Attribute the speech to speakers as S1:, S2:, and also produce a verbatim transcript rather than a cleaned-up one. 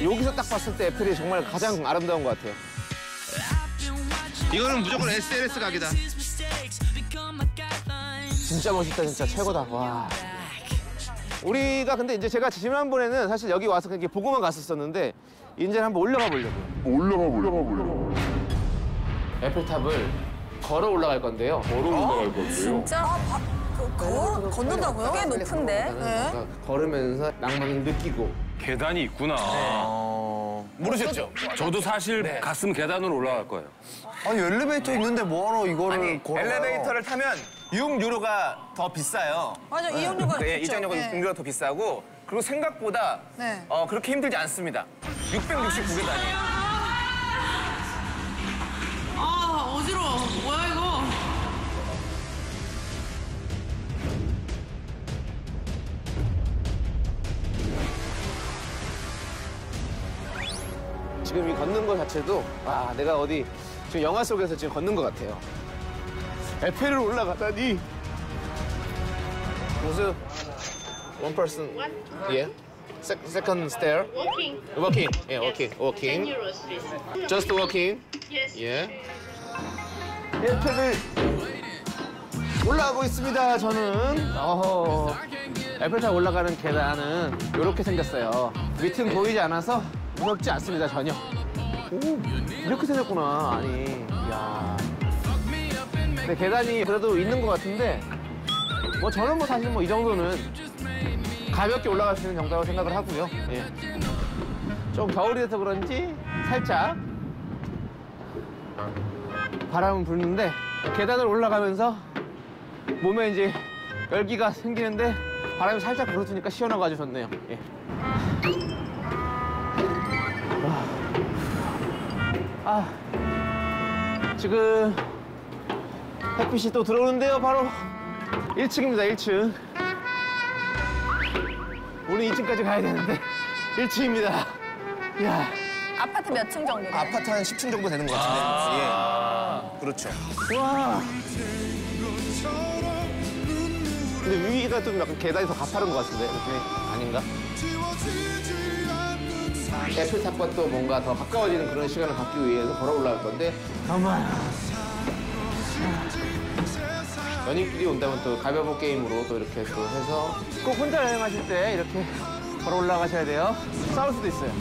S1: 여기서 딱 봤을 때 에펠이 정말 가장 아름다운 것 같아요.
S2: 이거는 무조건 에스엘에스 각이다.
S1: 진짜 멋있다, 진짜 최고다. 와. 우리가 근데 이제 제가 지난번에는 사실 여기 와서 그렇게 보고만 갔었었는데 이제는 한번 올라가 보려고요.
S3: 올라가 보려고.
S1: 에펠탑을 걸어 올라갈 건데요.
S3: 걸어 올라갈 건데요.
S4: 진짜? 아, 바, 그, 걸, 걷는다고요? 꽤 높은데.
S1: 네. 걸으면서 낭만을 느끼고.
S5: 계단이 있구나.
S2: 어... 모르셨죠?
S5: 저도 사실
S2: 네.
S5: 갔으면 계단으로 올라갈 거예요.
S6: 아니 엘리베이터 있는데 뭐하러 이거를
S2: 아니,
S6: 걸어요?
S2: 엘리베이터를 타면 이용료가 더 비싸요.
S4: 맞아, 이용료가
S2: 네,
S4: 좋죠.
S2: 이용료가
S4: 네.
S2: 더 비싸고 그리고 생각보다
S4: 네.
S2: 어, 그렇게 힘들지 않습니다. 육백육십구 계단이에요.
S7: 아, 어지러워. 뭐야, 이거?
S1: 지금 이 걷는 것 자체도 와, 내가 어디 지금 영화 속에서 지금 걷는 것 같아요. 에펠을 올라가다니. 무슨 one person, yeah, Se second stair.
S8: Walking.
S1: Walking, yeah, walking,
S8: ten
S1: walking.
S8: euros, please.
S1: Just walking.
S8: Yes.
S1: 예. 에펠을 올라가고 있습니다. 저는. 어허. 에펠탑 올라가는 계단은 이렇게 생겼어요. 밑은 보이지 않아서 무섭지 않습니다, 전혀. 오, 이렇게 생겼구나. 아니, 이야. 근데 계단이 그래도 있는 것 같은데 뭐 저는 뭐 사실 뭐 이 정도는 가볍게 올라갈 수 있는 정도라고 생각을 하고요. 예. 좀 겨울이 돼서 그런지 살짝 바람은 부는데 계단을 올라가면서 몸에 이제 열기가 생기는데 바람이 살짝 불어주니까 시원하고 아주 좋네요. 예. 아, 지금 햇빛이 또 들어오는데요. 바로 일 층입니다, 일 층. 우리 이 층까지 가야 되는데 일 층입니다. 이야.
S4: 아파트 몇 층 정도 돼요?
S2: 아파트 한 십 층 정도 되는 것 같은데.
S1: 아
S2: 예. 그렇죠.
S1: 와. 근데 위가 좀 약간 계단이 더 가파른 것 같은데 느낌이 아닌가? 에펠탑과 또 뭔가 더 가까워지는 그런 시간을 갖기 위해서 걸어 올라갈 건데 가만. 연인끼리 온다면 또 가벼운 게임으로 또 이렇게 또 해서 꼭 혼자 여행하실 때 이렇게 걸어 올라가셔야 돼요. 싸울 수도 있어요.